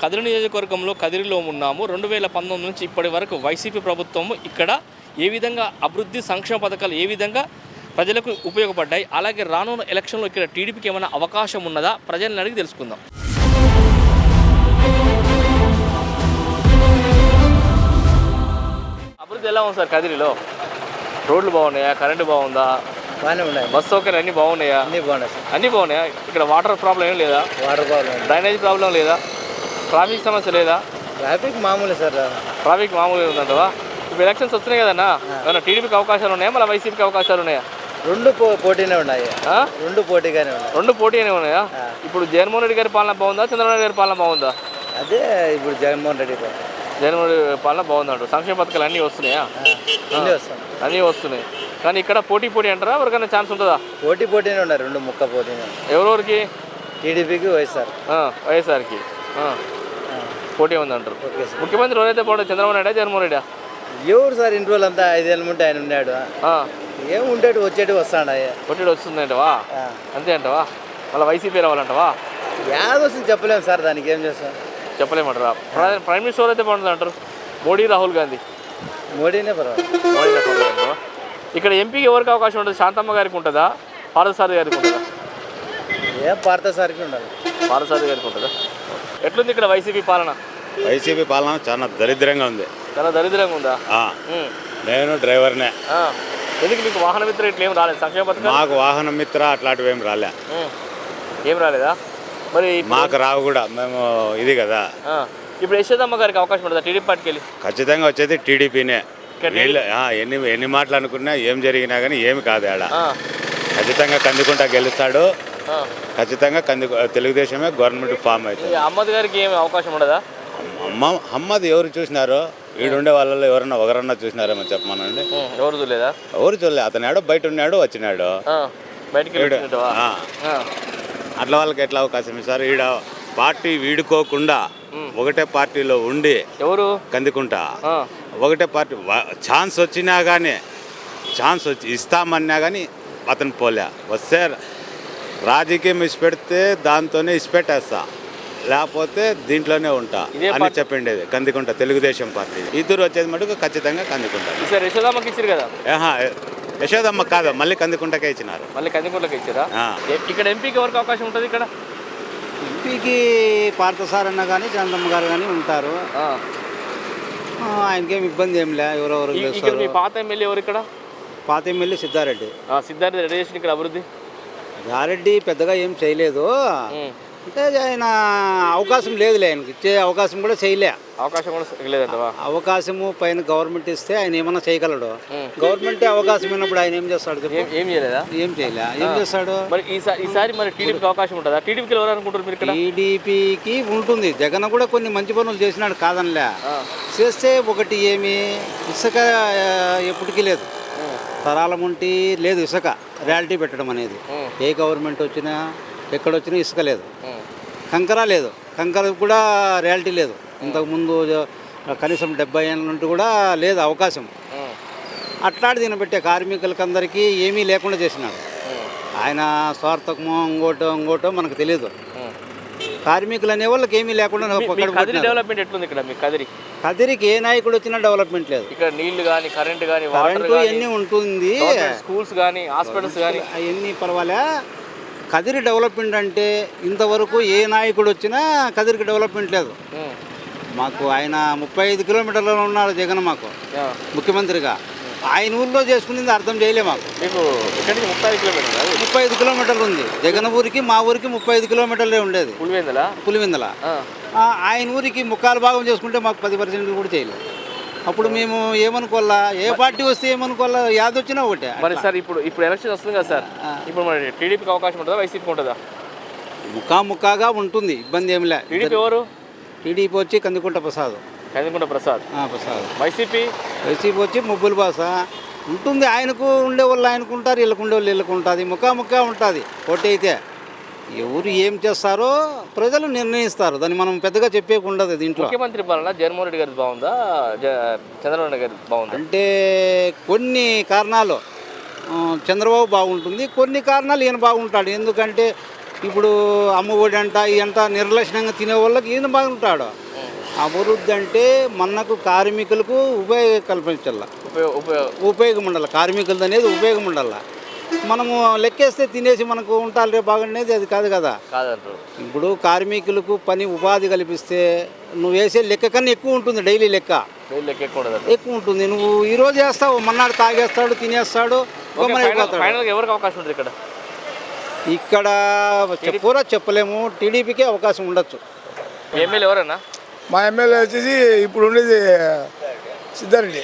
కదిరి నియోజకవర్గంలో కదిరిలో ఉన్నాము. 2019 నుంచి ఇప్పటి వరకు వైసీపీ ప్రభుత్వం ఇక్కడ ఏ విధంగా అభివృద్ధి సంక్షేమ పథకాలు ఏ విధంగా ప్రజలకు ఉపయోగపడ్డాయి, అలాగే రానున్న ఎలక్షన్లో ఇక్కడ టీడీపీకి ఏమైనా అవకాశం ఉన్నదా ప్రజల్ని అడిగి తెలుసుకుందాం. అభివృద్ధి ఎలా ఉంది సార్ కదిరిలో? రోడ్లు బాగున్నాయా? కరెంటు బాగుందా? బాగానే ఉన్నాయి. బస్ సౌకర్యం అన్నీ బాగున్నాయా? అన్నీ బాగున్నాయి సార్. అన్నీ బాగున్నాయా? ఇక్కడ వాటర్ ప్రాబ్లం ఏం లేదా? వాటర్ ప్రాబ్లం, డ్రైనేజ్ ప్రాబ్లం లేదా? ట్రాఫిక్ సమస్య లేదా? ట్రాఫిక్ మామూలే సార్. ట్రాఫిక్ మామూలుగా ఉందంటవా? ఇప్పుడు ఎలక్షన్స్ వస్తున్నాయి కదన్నా, ఏమన్నా టీడీపీకి అవకాశాలు ఉన్నాయా, మళ్ళీ వైసీపీకి అవకాశాలు ఉన్నాయా? రెండు పోటీనే ఉన్నాయి. రెండు పోటీగానే ఉన్నాయి. రెండు పోటీనే ఉన్నాయా? ఇప్పుడు జగన్మోహన్ రెడ్డి గారి పాలన బాగుందా, చంద్రబాబు నాయుడు గారి పాలన బాగుందా? అదే ఇప్పుడు జగన్మోహన్ రెడ్డి పాలన బాగుందంటారు. సంక్షేమ పథకాలు అన్నీ వస్తున్నాయా? అన్నీ వస్తున్నాయి. కానీ ఇక్కడ పోటీ అంటారా? ఎవరికైనా ఛాన్స్ ఉంటుందా? పోటీనే ఉన్నాయి. రెండు ముక్క పోటీనే. ఎవరెవరికి? టీడీపీకి వైఎస్ఆర్కి పోటీ ఉందంటారు. ముఖ్యమంత్రి ఎవరైతే బాగుంటుంది, చంద్రబాబు నాయుడు జగన్మోహన్ రెడ్డి? ఎవరు సార్ ఇంటి వాళ్ళంతా 5 ఏళ్ళ ముంటే ఆయన ఉన్నాడు. ఏముంటాడు వచ్చేటి వస్తాడు. వచ్చేటి వస్తుందంటవా? అంతే అంటవా? మళ్ళీ వైసీపీ రావాలంటవా? యాద వస్తుంది చెప్పలేము సార్. దానికి ఏం చేస్తాం చెప్పలేమంటారా? ప్రైమ్ మినిస్టర్ అయితే బాగుంటుంది అంటారు. మోడీ, రాహుల్ గాంధీ. మోడీనే పర్వాలేదు. మోడీనే పర్వాలేదు. ఇక్కడ ఎంపీకి ఎవరికి అవకాశం ఉంటుంది? శాంతమ్మ గారికి ఉంటుందా, పార్థసారథి గారికి ఉంటుందా? పార్థసారథికి ఉండాలి. పార్థసారథి గారికి ఉంటుందా? ఎట్లుంది ఇక్కడ వైసీపీ పాలన? వైసీపీ పాలన చాలా దరిద్రంగా ఉంది. చాలా దరిద్రంగా ఉందా? నేను డ్రైవర్నే. ఎందుకు మీకు వాహన మిత్ర ఇట్లా ఏం రాలేదు? సంక్షేమ పథకం మాకు వాహన మిత్ర అట్లాంటివి ఏం రాలే. ఏం రాలేదా? మరి మాకు రావు కూడా. మేము ఇది కదా. ఇప్పుడు యశోదమ్మ గారికి అవకాశం ఉంటుందా టీడీపీ పార్టీకి వెళ్ళి? ఖచ్చితంగా వచ్చేది టీడీపీనే. ఎన్ని మాటలు అనుకున్నా ఏం జరిగినా కానీ ఏమి కాదు ఆడ. ఖచ్చితంగా కందుకుంటా గెలుస్తాడు. ఖచ్చితంగా తెలుగుదేశమే గవర్నమెంట్ ఫామ్ అవుతుంది. అహ్మద్ గారికి ఏమి అవకాశం ఉండదా? అహ్మద్ ఎవరు చూసినారో? ఈడుండే వాళ్ళలో ఎవరన్నా ఒకరన్నా చూసినారేమో చెప్పమనండి. ఎవరు చూడలేదా? ఎవరు చూడలేదు. అతను బయట ఉన్నాడు, వచ్చినాడు. అట్లా వాళ్ళకి ఎట్లా అవకాశం ఇస్తారు? ఈడ పార్టీ వీడుకోకుండా ఒకటే పార్టీలో ఉండి ఎవరు కందుకుంటా ఒకటే పార్టీ ఛాన్స్ వచ్చినా కానీ ఇస్తామన్నా కానీ అతను పోలే. వస్తే రాజకీయం ఇచ్చిపెడితే దాంతోనే ఇచ్చిపెట్టేస్తా, లేకపోతే దీంట్లోనే ఉంటా అని చెప్పిండేది కందుకుంటా తెలుగుదేశం పార్టీ. ఇద్దరు వచ్చేది మటుకు ఖచ్చితంగా కందుకుంటా. యశోదమ్మకి ఇచ్చారు కదా? యశోదమ్మ కాదు, మళ్ళీ కందుకుంటకే ఇచ్చినారు. మళ్ళీ కందుకుంటకి ఇచ్చారా? ఇక్కడ ఎంపీకి ఎవరికి అవకాశం ఉంటుంది? ఇక్కడ ఎంపీకి పార్థసారన్న కానీ చంద్రమ్మ గారు కానీ ఉంటారు. ఆయనకేం ఇబ్బంది ఏం లే. ఎవరెవరు మీ పాత ఎమ్మెల్యే ఎవరు ఇక్కడ? పాత ఎమ్మెల్యే సిద్ధారెడ్డి. రెడ్డి చేసిన ఇక్కడ అభివృద్ధి? సిద్ధారెడ్డి పెద్దగా ఏం చేయలేదు. అంటే ఆయన అవకాశం లేదులే, ఆయనకి ఇచ్చే అవకాశం కూడా చేయలే. అవకాశము పైన గవర్నమెంట్ ఇస్తే ఆయన ఏమన్నా చేయగలడు. గవర్నమెంట్ అవకాశం ఇచ్చినప్పుడు ఆయన ఏం చేస్తాడు? ఏం చేయలేదా? ఏం చేయలే. ఏం చేస్తాడు? మరి ఈసారి మరి టీడీపీకి అవకాశం ఉంటుందా? టీడీపీకి ఎవరు అనుకుంటారు మీరు? టీడీపీకి ఉంటుంది. జగన్ కూడా కొన్ని మంచి పనులు చేసినాడు కాదనిలే. చేస్తే ఒకటి ఏమి ఇసుక ఎప్పటికీ లేదు. తరాలం ఉంటే లేదు ఇసుక రియాలిటీ పెట్టడం అనేది. ఏ గవర్నమెంట్ వచ్చినా ఎక్కడొచ్చినా ఇసుక లేదు. కంకర లేదు. కంకర కూడా రియాలిటీ లేదు. ఇంతకుముందు కనీసం 70 ఏళ్ళ నుండి కూడా లేదు అవకాశం. అట్లాంటి తినబెట్టే కార్మికులకి అందరికీ ఏమీ లేకుండా చేసినాడు ఆయన. స్వార్థకమో ఇంకోటో మనకు తెలియదు. కార్మికులు అనే వాళ్ళకి ఏమీ లేకుండా డెవలప్మెంట్ ఎట్లుంది ఇక్కడ? కదిరికి ఏ నాయకుడు వచ్చినా డెవలప్మెంట్ లేదు. ఇక్కడ నీళ్లు కానీ కరెంట్ కానీ అన్నీ ఉంటుంది. స్కూల్స్ కానీ హాస్పిటల్స్ కానీ అవన్నీ పర్వాలే. కదిరి డెవలప్మెంట్ అంటే ఇంతవరకు ఏ నాయకుడు వచ్చినా కదిరికి డెవలప్మెంట్ లేదు. మాకు ఆయన 35 కిలోమీటర్లలో ఉన్నారు జగన్ మాకు ముఖ్యమంత్రిగా. ఆయన ఊళ్ళో చేసుకునేది అర్థం చేయలే మాకు. 35 కిలోమీటర్లు ఉంది జగన్ ఊరికి. మా ఊరికి 35 కిలోమీటర్లే ఉండేది పులివెందుల. ఆయన ఊరికి 3/4 భాగం చేసుకుంటే మాకు 10% కూడా చేయలేదు. అప్పుడు మేము ఏమనుకోవాలా? ఏ పార్టీ వస్తే ఏమనుకోవాలా? యాదొచ్చినా ఒకటే. మరి సార్ ఇప్పుడు ఎలక్షన్ వస్తుంది కదా సార్, ఇప్పుడు మరి టీడీపీకి అవకాశం ఉంటుందా, వైసీపీకి ఉంటుందా? ముఖాముఖాగా ఉంటుంది, ఇబ్బంది ఏమి లే. టీడీపీ ఎవరు? టీడీపీ వచ్చి కందుకుంట ప్రసాద్. వైసీపీ వచ్చి ముబ్బుల భాష ఉంటుంది. ఆయనకు ఉండే వాళ్ళు ఆయనకు ఉంటారు, వీళ్ళకు ఉండే వాళ్ళు వీళ్ళకు ఉంటుంది. ముఖాముఖా ఉంటుంది. పోటీ అయితే ఎవరు ఏం చేస్తారో ప్రజలు నిర్ణయిస్తారు. దాన్ని మనం పెద్దగా చెప్పేకుండదు దీంట్లో. ముఖ్యమంత్రి పాలన జగన్మోహన్ రెడ్డి గారి బాగుందా, చంద్రబాబు నాయుడు గారి బాగుందా? అంటే కొన్ని కారణాలు చంద్రబాబు బాగుంటుంది, కొన్ని కారణాలు ఈయన బాగుంటాడు. ఎందుకంటే ఇప్పుడు అమ్మఒడి అంట ఇదంతా నిర్లక్ష్యంగా తినే వాళ్ళకి ఈయన బాగుంటాడు. అభివృద్ధి అంటే మనకు కార్మికులకు ఉపయోగం కల్పించాల, ఉపయోగం ఉండాలి. కార్మికులది అనేది ఉపయోగం ఉండాలి. మనము లెక్కేస్తే తినేసి మనకు ఉంటారు రేపు బాగుండేది అది కాదు కదా. ఇప్పుడు కార్మికులకు పని ఉపాధి కల్పిస్తే నువ్వు వేసే లెక్క కన్నా ఎక్కువ ఉంటుంది. డైలీ లెక్క ఎక్కువ ఉంటుంది. నువ్వు ఈరోజు వేస్తావు, మన్నాడు తాగేస్తాడు, తినేస్తాడు, ఎవరికి అవకాశం ఉంటుంది ఇక్కడ? ఇక్కడ చెప్పురా చెప్పలేము. టీడీపీకే అవకాశం ఉండొచ్చు. ఎమ్మెల్యే ఎవరన్నా? మా ఎమ్మెల్యే వచ్చేసి ఇప్పుడు ఉండేది సిద్ధారెడ్డి.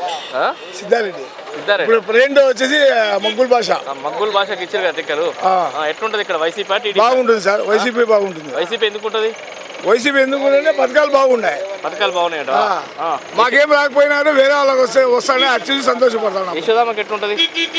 ఇప్పుడు ప్రెసిడెంట్ వచ్చేసి మగ్గుల్ భాషకి ఇచ్చారు కదా టిక్కరు. ఎట్లుంటది ఇక్కడ? వైసీపీ బాగుంటుంది సార్. వైసీపీ బాగుంటుంది. వైసీపీ ఎందుకు ఉంటుంది? వైసీపీ ఎందుకంటే పథకాలు బాగున్నాయి. మాకేం రాకపోయినా వేరే వాళ్ళకి వస్తానే అది చూసి సంతోషపడతాను. యశోదామకి ఎట్లుంటది?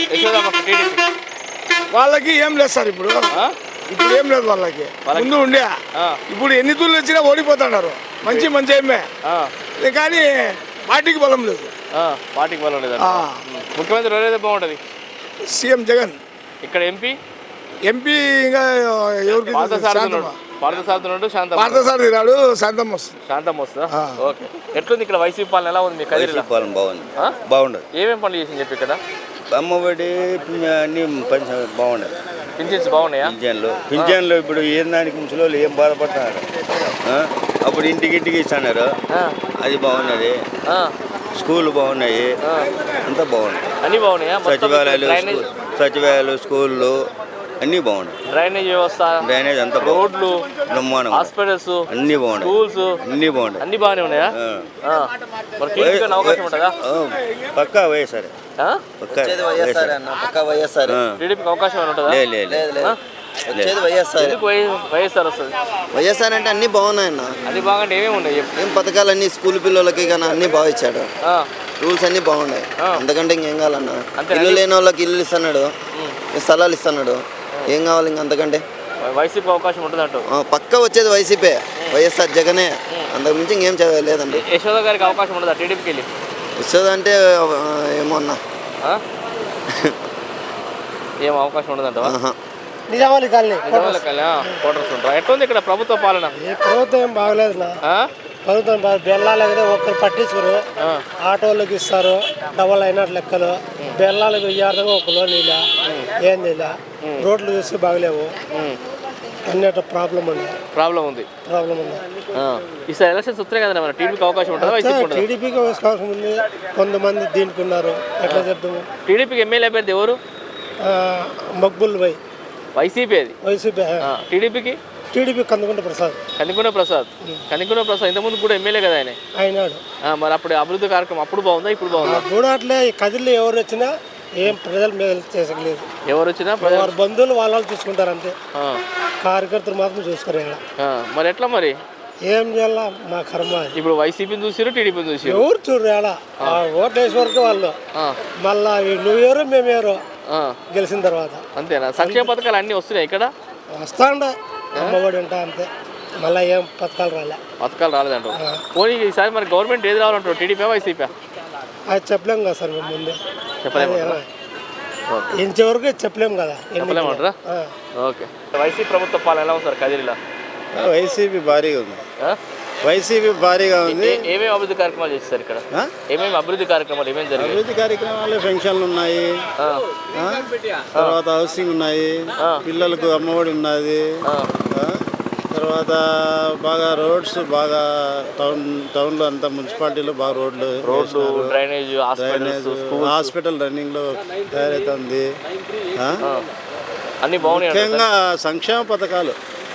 వాళ్ళకి ఏం లేదు సార్. ఇప్పుడు ఏం లేదు వాళ్ళకి. ముందు ఉండే ఇప్పుడు ఎన్ని తూర్లు వచ్చినా ఓడిపోతున్నారు. మంచి ఏమే కానీ పార్టీకి బలం లేదు. పార్టీకి బలం లేదు. ముఖ్యమంత్రి ఎవరైతే బాగుంటది? సీఎం జగన్. ఇక్కడ ఎంపీ ఇంకా ఎవరికి పార్థసారథి రాడు. శాంతం వస్తుందా? ఓకే. ఎట్లుంది ఇక్కడ వైసీపీ పాలన? ఎలా ఉంది మీ కదిరిలో? బాగుండదు. ఏమేమి పనులు చేసింది చెప్పి ఇక్కడ? అమ్మఒడి అన్ని బాగుండదు. పింఛన్స్ బాగున్నాయా? పింఛన్లు ఇప్పుడు ఏం దానికి ముసలి ఏం బాధపడుతున్నారు. అప్పుడు ఇంటికి ఇస్తున్నారు, అది బాగున్నది. స్కూళ్ళు బాగున్నాయి, అంతా బాగున్నాయి. అన్ని బాగున్నాయా? సచివాలయాలు స్కూళ్ళు అన్నీ బాగున్నాయి. డ్రైనేజ్ వ్యవస్థ, డ్రైనేజ్ అంతా రోడ్లు, బ్రహ్మాండం, హాస్పిటల్స్ అన్ని బాగున్నాయి. స్కూల్స్ అన్ని బాగున్నాయి. అన్ని బాగానే ఉన్నాయా? అవకాశం ఉంటుందా? పక్కా వైఎస్ఆర్. టీడీపీకి అవకాశం ఉంటుందా? వైఎస్ఆర్ వస్తుంది. వైఎస్ఆర్ అంటే అన్ని బాగున్నాయన్న. అన్ని బాగుంటే ఏమేమి ఉన్నాయి? ఏం పథకాలు అన్ని స్కూల్ పిల్లలకి కానీ అన్ని బాగా ఇచ్చాడు. రూల్స్ అన్ని బాగున్నాయి. అంతకంటే ఇంకేం కావాలన్నా? ఇల్లు లేని వాళ్ళకి ఇల్లు ఇస్తున్నాడు, స్థలాలు ఇస్తున్నాడు. ఏం కావాలి ఇంక అంతకంటే? వైసీపీ అవకాశం ఉంటుంది అంటూ పక్క వచ్చేది వైసీపీ, వైఎస్ఆర్ జగనే. అంతకు మించి ఇంకేం లేదండి. యశోద గారికి అవకాశం ఉండదా టీడీపీకి వెళ్ళి? యశోద అంటే ఏమో అన్నా, ఏం అవకాశం ఉండదంట. నిజామాలి కాలనీ కోటర్స్ ఉంటారు. ఎట్లుంది ఇక్కడ ప్రభుత్వ పాలన? ప్రభుత్వం ఏం బాగలేదు. ప్రభుత్వం బెల్లాలకి ఒక్కరు పట్టించుకోరు. ఆటోళ్ళకి ఇస్తారు డబల్ అయినట్టు లెక్కలు. బెల్లాలకు ఇయ్యార్థంగా ఒక లోన్ ఇలా ఏం ఇలా. రోడ్లు చూసి బాగలేవు. అన్నిట ప్రాబ్లం ఉంది. ఈసారి ఎలక్షన్స్ వస్తున్నాయి కదా, మన టీడీపీకి అవకాశం ఉంటుంది? టీడీపీకి అవకాశం ఉంది. కొంతమంది దీనికి ఉన్నారు. ఎట్లా చెప్తాము? టీడీపీకి ఎమ్మెల్యే అభ్యర్థి ఎవరు? మక్బుల్ భాయ్. వైసీపీ అది. వైసీపీ. టీడీపీ కందుకుంట ప్రసాద్. ఇంతకుముందు కూడా ఎమ్మెల్యే కదా ఆయన. మరి అప్పుడు అభివృద్ధి కార్యక్రమం అప్పుడు బాగుందా, ఇప్పుడు బాగుందా? కూడా అట్లే కదిలో ఎవరు వచ్చినా ఏం ప్రజలు మేలు చేసలేదు. ఎవరు వచ్చినా వారి బంధువులు వాళ్ళు చూసుకుంటారు అంతే. కార్యకర్తలు మాత్రం చూసుకోరు. మరి ఎట్లా మరి ఏం చేయాలా? మా కర్మ. ఇప్పుడు వైసీపీని చూసారు, టీడీపీని చూసారు. ఎవరు చూడరా? ఓట్లు వేసే వరకు వాళ్ళు మళ్ళా నువ్వు ఎవరు మేము ఎవరు గెలిచిన తర్వాత అంతేనా? సంక్షేమ పథకాలు అన్ని వస్తున్నాయి ఇక్కడ? వస్తాండే అమ్మఒడి ఉంటా అంతే. మళ్ళీ ఏం పథకాలు రాలేదంటారు. పోనీ ఈసారి మరి గవర్నమెంట్ ఏది రావాలంటారు? TDP, YCP? అది చెప్పలేము కదా సార్. మేము ముందే ఇంతవరకు చెప్పలేము కదా. చెప్పలేమంటారా? ఓకే. వైసీపీ ప్రభుత్వ పాలన ఎలా ఉంది సార్ కదిరిలో? వైసీపీ భారీగా ఉంది. ఏమేమి అభివృద్ధి కార్యక్రమాలు చేస్తారు ఇక్కడ? ఏమేమి అభివృద్ధి కార్యక్రమాలు జరిగాయి? అభివృద్ధి కార్యక్రమాలు పెన్షన్లు ఉన్నాయి, తర్వాత హౌసింగ్ ఉన్నాయి, పిల్లలకు అమ్మఒడి ఉన్నది, తర్వాత బాగా రోడ్స్ బాగా టౌన్లో అంతా మున్సిపాలిటీలో బాగా రోడ్లు, డ్రైనేజ్, హాస్పిటల్ రన్నింగ్లో తయారవుతుంది. అన్ని బాగున్నాయి. ముఖ్యంగా సంక్షేమ పథకాలు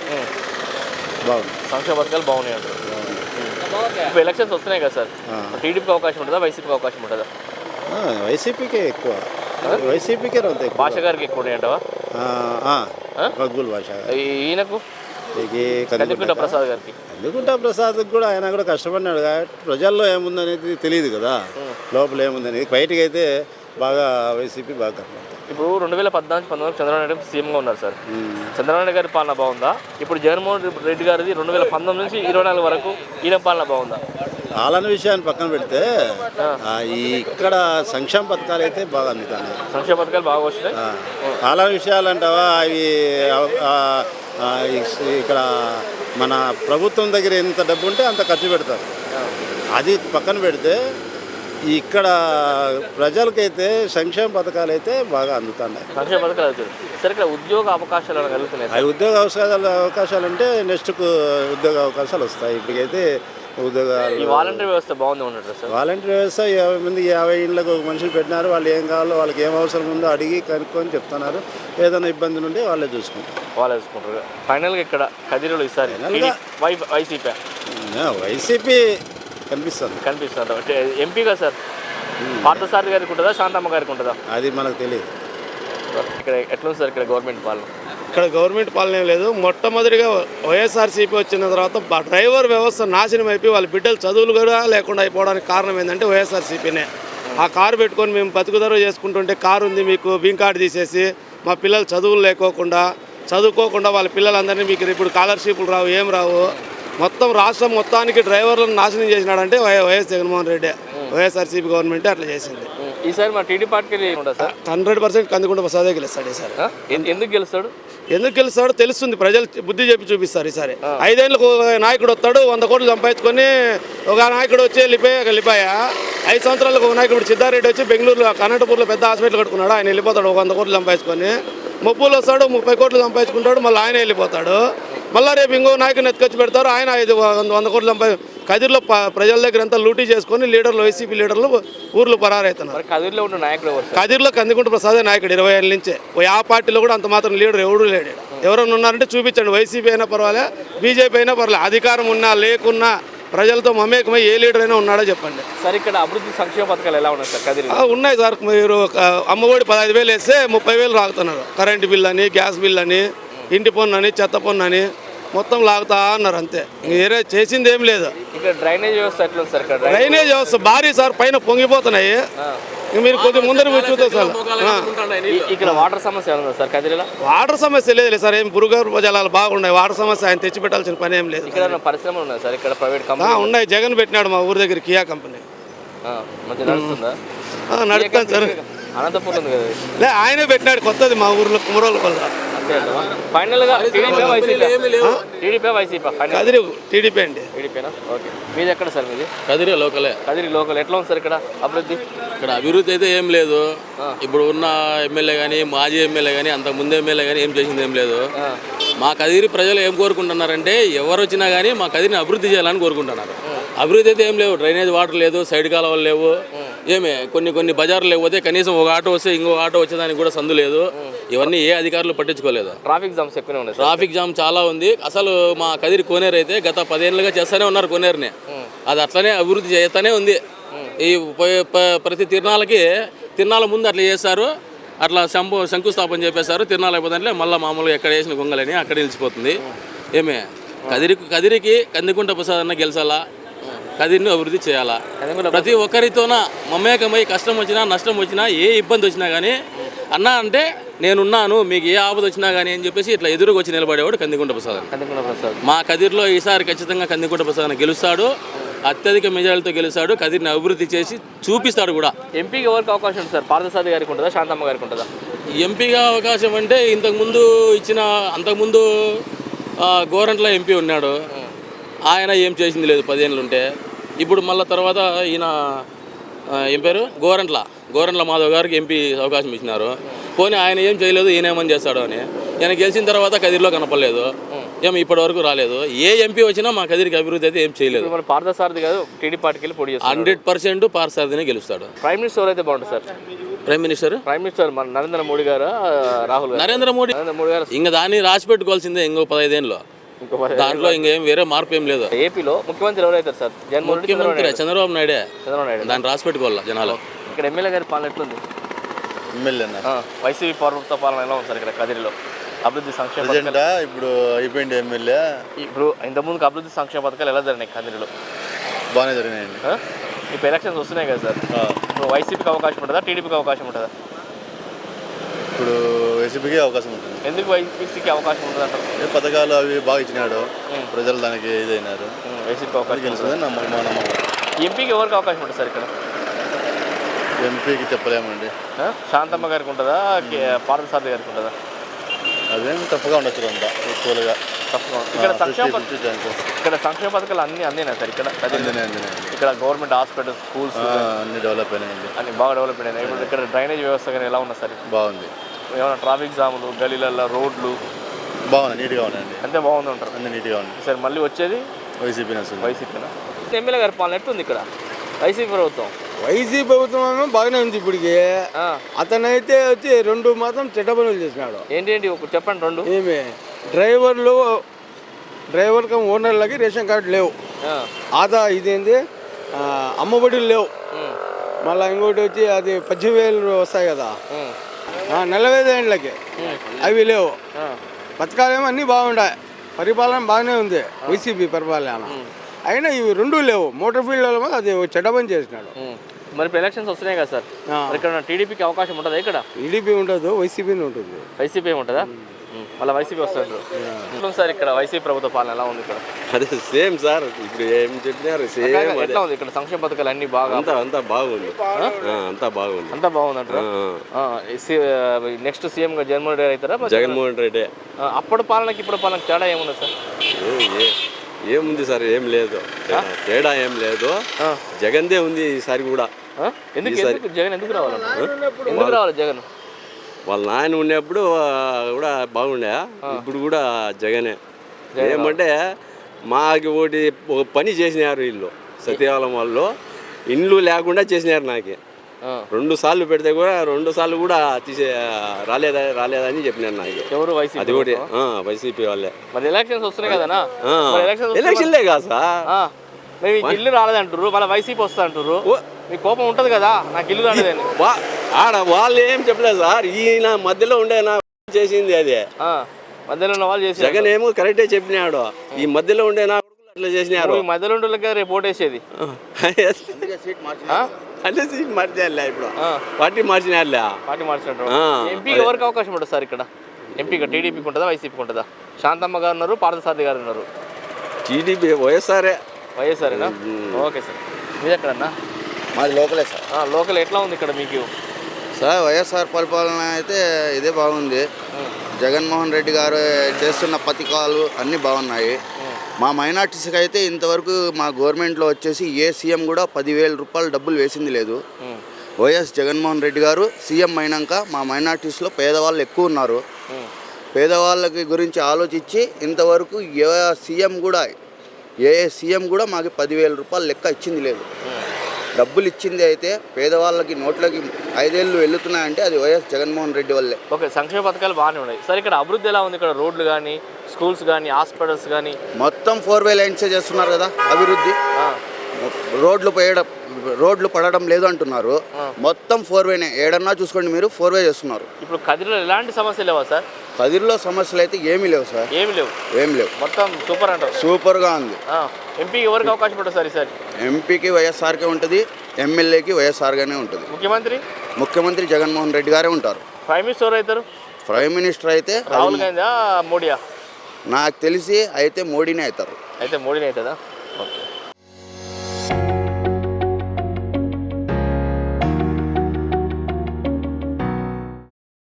బాగున్నాయి అంటారు. ఇప్పుడు ఎలక్షన్స్ వస్తున్నాయి కదా సార్, టీడీపీకి అవకాశం ఉంటుందా, వైసీపీకి అవకాశం ఉంటుందా? వైసీపీకే ఎక్కువ. వైసీపీకే భాష గారికి ఎక్కువ ఉన్నాయంటవా? మక్బుల్ భాష. ఈయనకు కందుకుంట ప్రసాద్ కూడా ఆయన కూడా కష్టపడినాడు కాబట్టి ప్రజల్లో ఏముందనేది తెలియదు కదా, లోపల ఏముందనేది. బయటకు అయితే బాగా వైసీపీ బాగా కనపడుతుంది. ఇప్పుడు 2014-19 చంద్రబాబు నాయుడు సీఎంగా ఉన్నారు సార్. చంద్రబాబు నాయుడు గారి పాలన బాగుందా? ఇప్పుడు జగన్మోహన్ రెడ్డి గారిది 2019 నుంచి 2024 వరకు ఈయన పాలన బాగుందా? పాలన విషయాన్ని పక్కన పెడితే ఇక్కడ సంక్షేమ పథకాలు అయితే బాగా అందుతాయి. సంక్షేమ పథకాలు బాగా వస్తున్నాయి. పాలన విషయాలు అంటావా, అవి ఇక్కడ మన ప్రభుత్వం దగ్గర ఎంత డబ్బు ఉంటే అంత ఖర్చు పెడతారు. అది పక్కన పెడితే ఇక్కడ ప్రజలకైతే సంక్షేమ పథకాలు అయితే బాగా అందుతున్నాయి. సంక్షేమ పథకాలు అవుతుంది సార్. ఇక్కడ ఉద్యోగ అవకాశాలు కలుగుతున్నాయి. అవి ఉద్యోగ అవకాశాలు అంటే నెక్స్ట్కు ఉద్యోగ అవకాశాలు వస్తాయి. ఇప్పటికైతే ఉద్యోగాలు ఈ వాలంటీర్ వ్యవస్థ బాగుంది ఉన్నట్టు సార్. వాలంటీర్ వ్యవస్థ 50 ఇండ్లకు ఒక మనుషులు పెట్టినారు. వాళ్ళు ఏం కావాలో వాళ్ళకి ఏం అవసరం ఉందో అడిగి కనుక్కొని చెప్తున్నారు. ఏదైనా ఇబ్బందులు ఉంటే వాళ్ళే చూసుకుంటారు. వాళ్ళే చూసుకుంటారు. ఫైనల్గా ఇక్కడ కదిరిలో ఈసారి వైసీపీ కనిపిస్తుంది. ఎంపీగా సార్ పార్థసారథి గారికి ఉంటుందా, శాంతమ్మ గారికి ఉంటుందా? అది మనకు తెలియదు. ఇక్కడ ఎట్లుంది సార్ ఇక్కడ గవర్నమెంట్ పాలన? ఇక్కడ గవర్నమెంట్ పాలన ఏం లేదు. మొట్టమొదటిగా వైఎస్ఆర్సీపీ వచ్చిన తర్వాత డ్రైవర్ వ్యవస్థ నాశనం అయిపోయి వాళ్ళ బిడ్డలు చదువులు కూడా లేకుండా అయిపోవడానికి కారణం ఏంటంటే వైఎస్ఆర్సీపీనే. ఆ కారు పెట్టుకొని మేము బతుకుదర చేసుకుంటుంటే కారు ఉంది మీకు బింక్ కార్డు తీసేసి మా పిల్లలు చదువులు చదువుకోకుండా వాళ్ళ పిల్లలందరినీ మీకు ఇప్పుడు స్కాలర్షిప్లు రావు, ఏం రావు. మొత్తం రాష్ట్రం మొత్తానికి డ్రైవర్లను నాశనం చేసినాడంటే వైఎస్ జగన్మోహన్ రెడ్డి, వైఎస్ఆర్సీపీ గవర్నమెంటే అట్లా చేసింది. ఈసారి మా టీడీ పార్టీకి 100% కందికుంట ప్రసాదే గెలుస్తాడు ఈసారి. ఎందుకు గెలుస్తాడో తెలుస్తుంది. ప్రజలు బుద్ధి చెప్పి చూపిస్తారు. ఈసారి 5 ఏళ్ళకు నాయకుడు వస్తాడు, 100 కోట్లు సంపాదించుకొని ఒక నాయకుడు వచ్చి వెళ్ళిపోయా 5 సంవత్సరాలకు ఒక నాయకుడు సిద్ధారెడ్డి వచ్చి బెంగళూరులో అనంతపూర్లో పెద్ద హాస్పిటల్ కట్టుకున్నాడు. ఆయన వెళ్ళిపోతాడు 100 కోట్లు సంపాదించుకొని. ముప్పులు వస్తాడు 30 కోట్లు సంపాదించుకుంటాడు, మళ్ళీ ఆయన వెళ్ళిపోతాడు. మళ్ళీ రేపు ఇంకో నాయకుని ఎత్తుకొచ్చి పెడతారు, ఆయన 100 కోట్లు కదిరిలో ప్రజల దగ్గర అంతా లూటీ చేసుకొని లీడర్లు, వైసీపీ లీడర్లు ఊర్లు పరారైతున్నారు. కదిరిలో ఉన్న నాయకుడు కదిరిలో కందికుంట ప్రసాదే నాయకుడు 20 ఏళ్ళ నుంచే. ఆ పార్టీలో కూడా అంత మాత్రం లీడర్ ఎవడూ లేడు. ఎవరైనా ఉన్నారంటే చూపించండి. వైసీపీ అయినా పర్వాలే, బీజేపీ అయినా పర్వాలే. అధికారం ఉన్నా లేకున్నా ప్రజలతో మమేకమై ఏ లీడర్ అయినా ఉన్నాడో చెప్పండి. సార్ ఇక్కడ అభివృద్ధి సంక్షేమ పథకాలు ఎలా ఉన్నాయి సార్ కదిరి? ఉన్నాయి సార్. మీరు అమ్మఒడి 15,000 వేస్తే 30,000 రాగుతున్నారు. కరెంటు బిల్ అని, గ్యాస్ బిల్ అని, ఇంటి పన్ను అని, చెత్త పన్ను అని మొత్తం లాగుతా అన్నారు. అంతే, వేరే చేసింది ఏం లేదు. ఇక్కడ డ్రైనేజ్ వ్యవస్థ ఎట్లా సార్? డ్రైనేజ్ వ్యవస్థ భారీ సార్, పైన పొంగిపోతున్నాయి. మీరు కొద్దిగా ముందర చూస్తే సార్ ఇక్కడ వాటర్ సమస్య ఉందా సార్ కదిరిలో? వాటర్ సమస్య లేదు సార్. ఏం భూగర్భ జలాలు బాగున్నాయి. వాటర్ సమస్య ఆయన తెచ్చిపెట్టాల్సిన పని ఏం లేదు. ఇక్కడ పరిశ్రమలు ఉన్నాయి సార్? ఇక్కడ ప్రైవేట్ కంపెనీ ఉన్నాయి. జగన్ పెట్టినాడు మా ఊరి దగ్గర కియా కంపెనీ. మంచిగా నడుస్తుందా? నడుస్తాను సార్. అనంతపురం ఉంది కదా, ఆయనే పెట్టినాడు కొత్తది మా ఊర్లో కుమరోళ్ళ పల్ల. ఫైనల్గా టీడీపీ వైసీపీ? కదిరి టీడీపీ అండి. టీడీపీనా? ఓకే. మీది ఎక్కడ సార్? మీది కదిరి లోకలే. కదిరి లోకల్. ఎట్లా ఉంది సార్ ఇక్కడ అభివృద్ధి? ఇక్కడ అభివృద్ధి అయితే ఏం లేదు. ఇప్పుడు ఉన్న ఎమ్మెల్యే కానీ, మాజీ ఎమ్మెల్యే కానీ, అంతకు ముందు ఎమ్మెల్యే కానీ ఏం చేసింది ఏం లేదు. మా కదిరి ప్రజలు ఏం కోరుకుంటున్నారంటే ఎవరు వచ్చినా కానీ మా కదిరిని అభివృద్ధి చేయాలని కోరుకుంటున్నారు. అభివృద్ధి అయితే ఏం లేవు. డ్రైనేజ్ వాటర్ లేదు, సైడ్ కాలువలు లేవు. ఏమే కొన్ని బజార్లు లేకపోతే కనీసం ఒక ఆటో వస్తే ఇంకో ఆటో వచ్చేదానికి కూడా సందు లేదు. ఇవన్నీ ఏ అధికారులు పట్టించుకోలేదు. ట్రాఫిక్ జామ్స్ ఎక్కువనే ఉన్నాయి. ట్రాఫిక్ జామ్ చాలా ఉంది. అసలు మా కదిరి కోనేరు అయితే గత 10 ఏళ్ళుగా చేస్తూనే ఉన్నారు కోనేరుని. అది అట్లనే అభివృద్ధి చేస్తూనే ఉంది. ఈ ప్రతి తిరణాల ముందు అట్లా చేస్తారు. అట్లా శంకుస్థాపన చేపేస్తారు. తిరణాలు అయిపోతుంటే మళ్ళీ మామూలుగా ఎక్కడ వేసిన గొంగలని అక్కడ నిలిచిపోతుంది. ఏమే కదిరికి కందికుంట ప్రసాద్ అన్న గెలిచాలా, కదిరిని అభివృద్ధి చేయాలా. ప్రతి ఒక్కరితోన మమేకమై కష్టం వచ్చినా నష్టం వచ్చినా ఏ ఇబ్బంది వచ్చినా కానీ అన్న అంటే నేనున్నాను, మీకు ఏ ఆపద వచ్చినా కానీ అని చెప్పేసి ఇట్లా ఎదురుకు వచ్చి నిలబడేవాడు కందికుంట ప్రసాద్. మా కదిరిలో ఈసారి ఖచ్చితంగా కందికుంట ప్రసాద్ గెలుస్తాడు. అత్యధిక మెజారిటీతో గెలుస్తాడు. కదిరిని అభివృద్ధి చేసి చూపిస్తాడు కూడా. ఎంపీకి ఎవరికి అవకాశం ఉంటుంది సార్? పార్థసారథి గారికి ఉంటుందా, శాంతమ్మ గారికి ఉంటుందా? ఎంపీగా అవకాశం అంటే అంతకుముందు గోరంట్ల ఎంపీ ఉన్నాడు. ఆయన ఏం చేసింది లేదు 10 ఏళ్ళు ఉంటే. ఇప్పుడు మళ్ళీ తర్వాత ఈయన ఏం పేరు గోరంట్ల మాధవ్ గారికి ఎంపీ అవకాశం ఇచ్చినారు. పోనీ ఆయన ఏం చేయలేదు, ఈయన ఏమని చేస్తాడు అని. ఈయన గెలిచిన తర్వాత కదిరిలో కనపడలేదు, ఏమి ఇప్పటి వరకు రాలేదు. ఏ ఎంపీ వచ్చినా మా కదిరికి అభివృద్ధి అయితే ఏం చేయలేదు. పార్థసారథి గారు టీడీ పార్టీకి వెళ్ళి పోటీ చేస్తారు. 100% పార్థసారథినే గెలుస్తాడు. ప్రైమ్ మినిస్టర్ అయితే బాగుంటుంది సార్. ప్రైమ్ మినిస్టర్ మన నరేంద్ర మోడీ గారు, రాహుల్ గారు? నరేంద్ర మోడీ గారు ఇంకా దాన్ని రాసి పెట్టుకోవాల్సిందే. ఇంకో 15 ఏళ్ళు దాంట్లో ఇంకేం వేరే మార్పు ఏం లేదు. ఏపీలో ముఖ్యమంత్రి ఎవరైతారు సార్? ముఖ్యమంత్రి చంద్రబాబు నాయుడే. దాన్ని రాసి పెట్టుకోవాలా జనాలు. ఇక్కడ ఎమ్మెల్యే గారి పాలన ఎట్లుంది? వైసీపీ ప్రభుత్వ పాలన ఎలా ఉంది సార్ ఇక్కడ కదిరిలో? అభివృద్ధి సంక్షేమ ఇప్పుడు అయిపోయింది ఎమ్మెల్యే. ఇప్పుడు ఇంతకుముందుకు అభివృద్ధి సంక్షేమ పథకాలు ఎలా జరిగినాయి కదిరిలో? బాగానే జరిగినాయండి. ఇప్పుడు ఎలక్షన్స్ వస్తున్నాయి కదా సార్, ఇప్పుడు వైసీపీకి అవకాశం ఉంటుందా, టీడీపీకి అవకాశం ఉంటుందా? ఇప్పుడు వైసీపీకి అవకాశం ఉంటుంది. ఎందుకు వైసీపీకి అవకాశం ఉంటుంది అంటారు? పథకాలు అవి బాగా ఇచ్చినాడు, ప్రజలు దానికి ఇదైనారు. వైసీపీకి అవకాశం గెలుస్తుంది నమ్మకం. ఎంపీకి ఎవరికి అవకాశం ఉంటుంది సార్ ఇక్కడ? ఎంపీకి చెప్పలేమండి. శాంతమ్మ గారికి ఉంటుందా, పార్థసారథి గారికి ఉంటుందా? అదేం తప్పుగా ఉండొచ్చు అంతా ఈక్వల్గా. తప్పకుండా ఇక్కడ సంక్షేమ 50 ఛాన్సెస్. ఇక్కడ సంక్షేమ పథకాలు అన్నీ అందేనా సార్ ఇక్కడ అందినాయి. ఇక్కడ గవర్నమెంట్ హాస్పిటల్స్ స్కూల్స్ అన్ని డెవలప్ అయినాయండి. అన్ని బాగా డెవలప్ అయినాయి. ఇప్పుడు ఇక్కడ డ్రైనేజ్ వ్యవస్థ కానీ ఎలా ఉన్నా సార్ బాగుంది. ఏమైనా ట్రాఫిక్ జాములు గలీలలో రోడ్లు బాగున్నాయి, నీట్గా ఉన్నాయండి. అంతే బాగుంది అంటారు. అన్ని నీట్గా ఉన్నాయి. సార్ మళ్ళీ వచ్చేది వైసీపీ వస్తుంది. వైసీపీనా ఎమ్మెల్యే గారి పాలన ఎట్టుంది ఇక్కడ వైసీపీ ప్రభుత్వం? వైసీపీ ప్రభుత్వం బాగానే ఉంది ఇప్పటికి. అతనైతే వచ్చి 2 మాత్రం చెడ్డ పనులు చేసినాడు. ఏంటి ఒక చెప్పండి 2. ఏమి డ్రైవర్ కమ్ ఓనర్లకి రేషన్ కార్డు లేవు, ఇదేంది అమ్మఒడులు లేవు, మళ్ళీ ఇంకోటి వచ్చి అది 18,000 వస్తాయి కదా 45 ఏళ్ళకి, అవి లేవు. పథకాలేమో అన్నీ బాగుంటాయి, పరిపాలన బాగానే ఉంది వైసీపీ పరిపాలన. అయినా ఇవి 2 లేవు. మోటార్ ఫీల్డ్ అది చెడ్డ పని చేసినాడు. మరి ఇప్పుడు ఎలక్షన్స్ వస్తున్నాయి కదా సార్, ఇక్కడ టీడీపీకి అవకాశం ఉంటుందా? ఇక్కడ టీడీపీ ఉండదు, వైసీపీ ఉంటుంది. వైసీపీ ఉంటుందా? మళ్ళీ వైసీపీ వస్తారు సార్. ఇక్కడ వైసీపీ ప్రభుత్వ పాలన ఎలా ఉంది ఇక్కడ? అదే సేమ్ సార్, ఇప్పుడు ఏం చెప్పినారు సేమ్. ఎట్లా ఉంది ఇక్కడ సంక్షేమ పథకాలు అన్ని బాగా? అంతా బాగుంది, అంతా బాగుంది, అంతా బాగుంది అంటారు. నెక్స్ట్ సీఎం గా జగన్మోహన్ రెడ్డి అవుతారా? జగన్మోహన్ రెడ్డి. అప్పుడు పాలనకి ఇప్పుడు పాలనకి తేడా ఏముంది సార్? ఏముంది సార్, ఏం లేదు, తేడా ఏం లేదు. జగన్దే ఉంది ఈసారి కూడా. ఎందుకు జగన్ ఎందుకు రావాలన్నా? ఎందుకు రావాలి జగన్? వాళ్ళ నాయన ఉన్నప్పుడు కూడా బాగుండే, ఇప్పుడు కూడా జగనే. ఏమంటే మాకు ఒక పని చేసినారు వీళ్ళు, సత్యకాలం వాళ్ళు ఇండ్లు లేకుండా చేసినారు. నాకు 2 సార్లు పెడితే కూడా 2 సార్లు కూడా రాలేదని చెప్పినారు నాకు. ఎవరు? వైసీపీ. అది కూడా వైసీపీ వాళ్ళే. మరి ఎలక్షన్స్ వస్తున్నాయి కదా? ఎలక్షన్లే కాదు సార్, మీకు ఇల్లు రాలేదంటారు, మళ్ళీ వైసీపీ వస్తా అంటారు. మీకు కోపం ఉంటుంది కదా, నాకు ఇల్లు రాలేదని. ఆడ వాళ్ళు ఏం చెప్పలేదు సార్, ఈయన మధ్యలో ఉండే నా చేసింది అదే. మధ్యలో ఉన్న వాళ్ళు చేసి జగన్ ఏమో కరెక్టే చెప్పినాడు, ఈ మధ్యలో ఉండే నా అట్లా చేసినారు. మధ్యలో ఉండే కదా రేపు ఓటేసేది. అంటే సీట్ మార్చారులే, ఇప్పుడు పార్టీ మార్చినారులే. పార్టీ మార్చినట్టు. ఎంపీకి ఎవరికి అవకాశం ఉంటుంది సార్ ఇక్కడ? ఎంపీగా టీడీపీకి ఉంటుందా వైసీపీకి ఉంటుందా? శాంతమ్మ గారు ఉన్నారు, పార్థసారథి గారు ఉన్నారు. టీడీపీ వైఎస్ఆర్ఏ. వైఎస్ఆర్ఏనా? Okay sir. మీది ఎక్కడన్నా? మాది లోకలే సార్. లోకల్ ఎట్లా ఉంది ఇక్కడ మీకు? సార్ వైఎస్ఆర్ పరిపాలన అయితే ఇదే బాగుంది. జగన్మోహన్ రెడ్డి గారు చేస్తున్న పథకాలు అన్నీ బాగున్నాయి. మా మైనార్టీస్కి అయితే ఇంతవరకు మా గవర్నమెంట్లో వచ్చేసి ఏ సీఎం కూడా 10,000 రూపాయలు డబ్బులు వేసింది లేదు. వైఎస్ జగన్మోహన్ రెడ్డి గారు సీఎం అయినాక మా మైనార్టీస్లో పేదవాళ్ళు ఎక్కువ ఉన్నారు. పేదవాళ్ళకి గురించి ఆలోచించి ఇంతవరకు ఏ సీఎం కూడా మాకు 10,000 రూపాయలు లెక్క ఇచ్చింది లేదు. డబ్బులు ఇచ్చింది అయితే పేదవాళ్ళకి నోట్లకి 5 ఏళ్ళు వెళ్తున్నాయంటే అది వైఎస్ జగన్మోహన్ రెడ్డి వల్లే. ఓకే, సంక్షేమ పథకాలు బాగానే ఉన్నాయి సార్. ఇక్కడ అభివృద్ధి ఎలా ఉంది? ఇక్కడ రోడ్లు కానీ, స్కూల్స్ కానీ, హాస్పిటల్స్ కానీ మొత్తం 4 వే లైన్సే చేస్తున్నారు కదా అభివృద్ధి. రోడ్లు పడడం లేదు అంటున్నారు. మొత్తం 4 వేనే. ఏడన్నా చూసుకోండి మీరు, 4 వే చేస్తున్నారు. ఇప్పుడు కదిరిలో ఎలాంటి సమస్యలు లేవా సార్? కదిరిలో సమస్యలు అయితే ఏమీ లేవు సార్. ఏం లేవు, మొత్తం సూపర్ అంటారు. సూపర్గా ఉంది. ఎంపీకి ఎవరికి అవకాశం ఉంటుంది సార్ ఈసారి? ఎంపీకి వైఎస్ఆర్కే ఉంటుంది, ఎమ్మెల్యేకి వైఎస్ఆర్గానే ఉంటుంది. ముఖ్యమంత్రి జగన్మోహన్ రెడ్డి గారే ఉంటారు. ప్రైమ్ మినిస్టర్ ఎవరు అవుతారు? ప్రైమ్ మినిస్టర్ అయితే రాహుల్ గాంధీ, మోడీయా? నాకు తెలిసి అయితే మోడీనే అవుతారు. అయితే మోడీనే అవుతుందా? ఓకే.